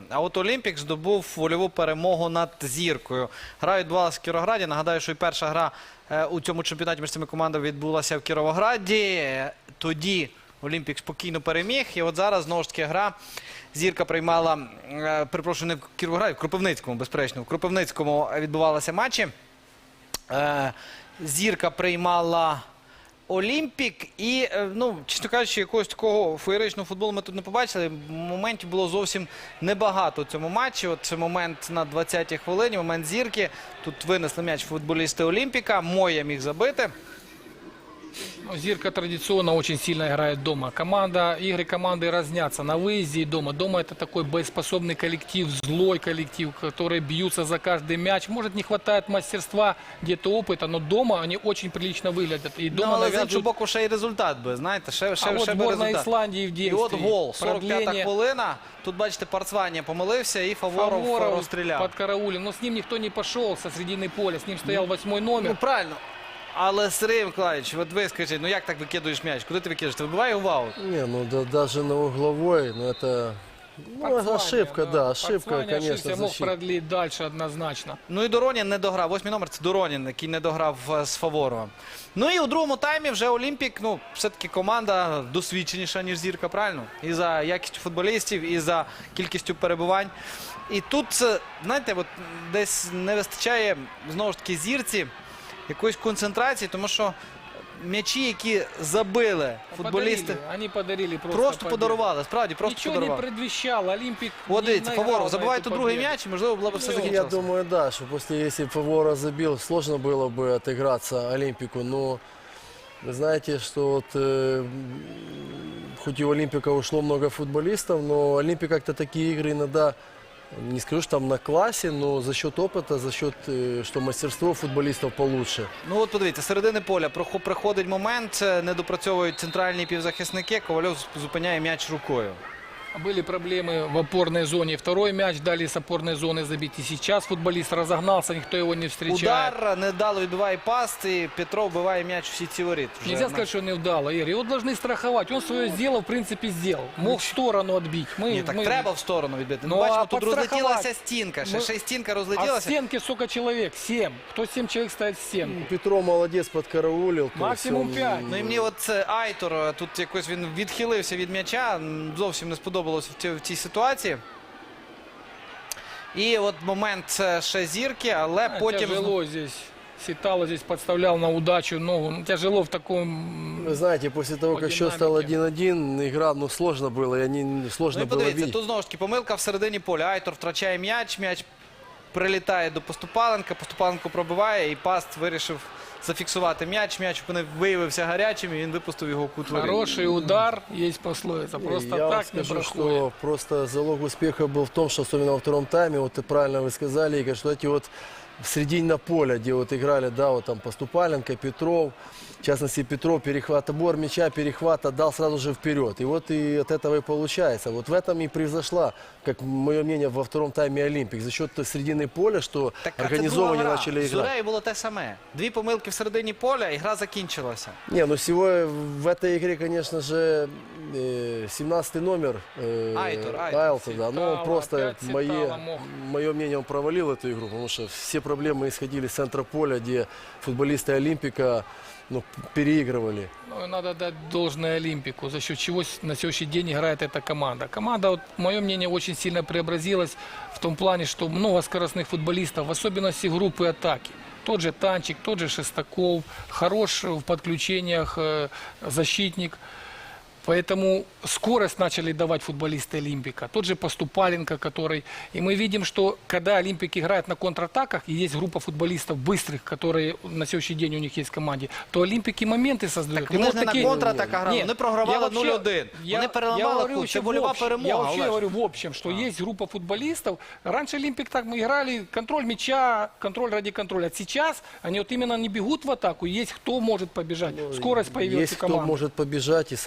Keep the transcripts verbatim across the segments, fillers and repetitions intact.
А от Олімпік здобув вольову перемогу над Зіркою. Гра відбувалася в Кіровограді. Нагадаю, що і перша гра е, у цьому чемпіонаті між цими командами відбулася в Кіровограді. Тоді Олімпік спокійно переміг. І от зараз, знову ж таки, гра. Зірка приймала, е, перепрошую, не в Кіровограді, в Кропивницькому, безперечно. В Кропивницькому відбувалися матчі. Е, Зірка приймала Олімпік. І, е, ну, чесно кажучи, якогось такого феєричного футболу ми тут не побачили. Моментів було зовсім небагато у цьому матчі. От це момент на двадцятій хвилині, момент Зірки. Тут винесли м'яч футболісти Олімпіка. Моя міг забити. Зирка традиционно очень сильно играет дома. Команда, игры команды разнятся на выезде и дома. Дома это такой боеспособный коллектив, злой коллектив, которые бьются за каждый мяч. Может, не хватает мастерства, где-то опыта, но дома они очень прилично выглядят. И дома Ну, але з навязывают... іншого боку, ще й результат би, знаєте, ще, ще, А ще от би збірна результат. Ісландії в І дійстві. от гол, сорок п'ята Продлення. хвилина. Тут, бачите, Парцванія помилився і Фаворов, Фаворов розстріляв. под караулем. Но с ним никто не пошел со середины поля. С ним стоял восьмой номер. Ну, правильно. Але, Сергій Миколаївич, от ви скажіть, ну як так викидуєш м'яч? Куди ти викидаєш? Ти вибиває його в аут? Не, ну да, даже на угловой, ну это ну, Пацваня, ошибка, да, ошибка, Пацваня конечно, ошибся, мог защиты. продлить дальше однозначно. Ну і Доронін не дограв. Восьмий номер – це Доронін, який не дограв е, з Фаворовим. Ну і у другому таймі вже Олімпік, ну, все-таки команда досвідченіша, ніж Зірка, правильно? І за якістю футболістів, і за кількістю перебувань. І тут, е, знаєте, от десь не вистачає, знову ж таки, Зірці якоїсь концентрації, тому що м'ячі, які забили футболісти, Подарили, они подарили просто, просто победу. подарували, справді, просто Ничего подарували. не предвещало. Олимпик От не дивіться, наиграл Фаворов на забиває эту тут другий победу. м'яч, і, можливо, було б все Ну, я закінчилося. думаю, да, что после, если бы Фавора забил, сложно было бы отыграться Олимпику, но вы знаете, что вот, э, хоть и у Олимпика ушло много футболистов, но Олимпик как-то такие игры иногда, не скажу, что там на классе, но за счет опыта, за счет, э, что мастерство футболистов получше. Ну от подивіться, з середини поля прохо- приходить момент, е, не допрацьовують центральні півзахисники, Ковальов зупиняє м'яч рукою. Были проблемы в опорной зоне. Второй мяч дали с опорной зоны забить. И сейчас футболист разогнался, никто его не встречает. Удар недало відбиває пас, і Петров вбиває м'яч в сітці воріт. Вже Нельзя на- сказать, что не удало, Игорь. Его должны страховать. Он свое сделал, в принципе, сделал. Мог в сторону отбить. Мы, Ні, так мы- треба в сторону відбити. Ну, Ну, бачимо, а тут підстрахувати? розлетілася стінка, ще, Ми- ще й стінка А в розлетілася. стенке сколько человек? Семь. Кто семь человек ставит в стенку? Петро молодец, подкараулил. то Максимум есть он- пять. Ну і мені от це Айтор, е, тут якось він відхилився від м'яча, м, зовсім не сподобалося в цій, в цій ситуації. І от момент е, ще Зірки, але потім... Тяжело здесь. Ситало здесь подставлял на удачу ногу. Ну, тяжело в таком... Вы знаете, после того, По как счет стал динамике. один-один, игра, ну, сложно было, и они, сложно Ну і было подивіться, видеть. тут знову ж таки помилка в середині поля. Айтор втрачає м'яч, м'яч прилітає до Поступаленка, Поступаленко пробиває, і Паст вирішив зафіксувати м'яч. М'яч виявився гарячим, і він випустив його в кут воріт. Хороший удар, есть пословица. Просто Я вам так не скажу, проходит. что просто залог успеха был в том, что особенно во втором тайме, вот и правильно вы сказали, Игорь, что эти вот в середине поля, где вот играли, да, вот там Поступаленко, Петров, в частности Петров, перехват, обор мяча, перехват отдал сразу же вперед. И вот и от этого и получается. Вот в этом и превзошла, как мое мнение, во втором тайме Олимпик. За счет середины поля, что Так, а це организованно друга гра. начали З играть. Зурею було те саме. Дві помилки в середині поля, і гра закінчилася. Не, ну сегодня в этой игре, конечно же, э, семнадцатый номер э, Айтор, Айтор. Айлса, да, ну он Ситало, просто, опять Ситало мое, мог. мое мнение, он провалил эту игру, потому что все проблемы исходили с центра поля, где футболисты Олимпика, ну, переигрывали. Ну, и надо дать должное Олимпику, за счет чего с- на сегодняшний день играет эта команда. Команда, вот, мое мнение, очень сильно преобразилась в том плане, что много скоростных футболистов, в особенности группы атаки. Тот же Танчик, тот же Шестаков, хорош в подключениях э, защитник. Поэтому скорость начали давать футболисты Олимпика. Тот же Поступаленко, который... И мы видим, что когда Олимпик играет на контратаках, и есть группа футболистов быстрых, которые на сегодняшний день у них есть в команде, то Олимпики моменты создают. Так вони ж не на контратаках грали, Нет, вони програвали я вообще- нуль один. я- Вони я переламали говорю кут, еще це в вольова общем. перемога. Я вообще Олеж. говорю в общем, что есть группа футболистов. Раньше Олимпик так мы играли, контроль мяча, контроль ради контроля. А сейчас они вот именно не бегут в атаку, есть кто может побежать. Скорость появилась Есть у кто команды. может побежать, и самое главное,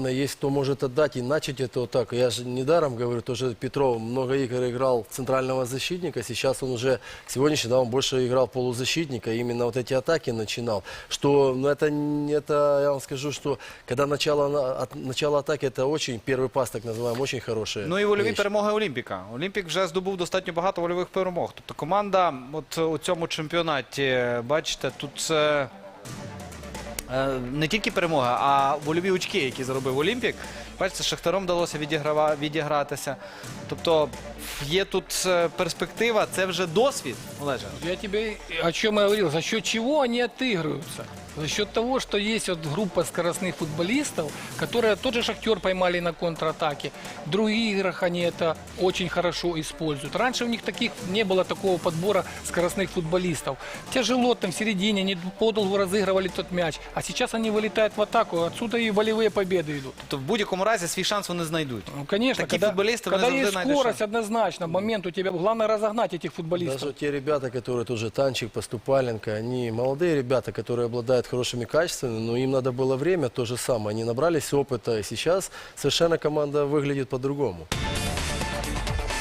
главное, есть кто может отдать и начать это вот так. Я же недаром говорю, тоже Петров много игр играл центрального защитника, сейчас он уже, сегодняшний, да, он больше играл полузащитника, и именно вот эти атаки начинал. Что, ну, это, не- это, я вам скажу, что когда начало, на- от, начало атаки, это очень, первый пас, так называемый, очень хороший. Ну і вольові перемоги Олімпіка. Олімпік вже здобув достатньо багато вольових перемог. Тобто команда от у цьому чемпіонаті, бачите, тут е, е, не тільки перемога, а вольові очки, які заробив Олімпік. Бачите, з Шахтаром вдалося відіграва- відігратися. Тобто є тут е, перспектива, це вже досвід, Олеже. Я тебе о чем я говорил, за счет чего они отыгрываются? За счет того, что есть вот группа скоростных футболистов, которые тот же Шахтер поймали на контратаке. В других играх они это очень хорошо используют. Раньше у них таких не было такого подбора скоростных футболистов. Тяжело там в середине, они подолгу разыгрывали тот мяч. А сейчас они вылетают в атаку, отсюда и волевые победы идут. Тобто в будь-якому разі свій шанс вони знайдуть. Ну, конечно, Такие когда, футболисты, когда они есть завжди найдут скорость, шанс. однозначно, момент у тебя, главное разогнать этих футболистов. Даже те ребята, которые тоже Танчик, Поступаленко, они молодые ребята, которые обладают хорошими качествами, но им надо было время, то же самое. Они набрались опыта, и сейчас совершенно команда выглядит по-другому.